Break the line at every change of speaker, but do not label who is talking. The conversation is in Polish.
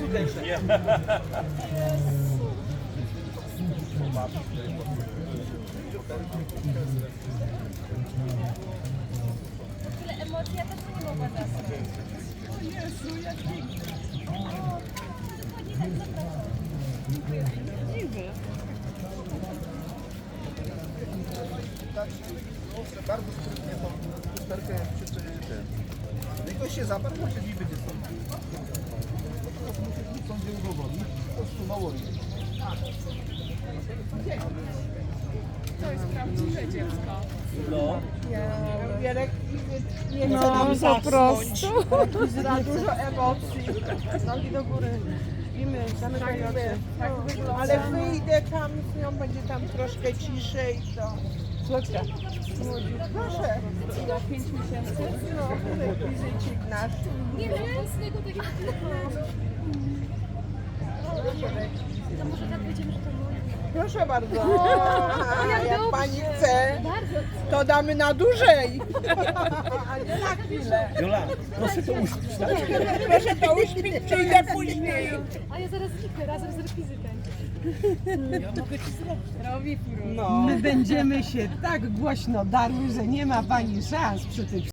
tutejsze.
Tyle emocji, ja też nie mogła zabrać.
O Jezu, jak pięknie.
Dokładnie tak, zapraszam.
Dziękuję.
Bardzo sprytnie tą lusterkę ten. No i gość się zaparł, może nie będzie stąd. Teraz muszę nic sądzie udowodnić, po prostu mało jest.
To jest prawdziwe dziecko.
No.
Nie chce
No,
nam
po
zasnąć.
prostu.
Za dużo emocji.
Nogi do góry. Śpimy, zamykaj oczy. Tak wygląda.
Ale wyjdę tam z nią, będzie tam troszkę ciszej. To...
Słodka.
Proszę.
Za 5 miesięcy.
No, rekwizycik nasz.
Nie wiem, z tego takiego To może tak będziemy, że to mój.
Proszę bardzo. A jak
dobrze.
pani chce,
Bardzo.
to damy na dłużej. A nie na chwilę.
Jola, proszę to uśpić, tak?
Proszę to uśpić, przyjdę później.
A ja zaraz zniknę razem z rekwizytem.
No.
My będziemy się tak głośno darły, że nie ma pani szans przy tych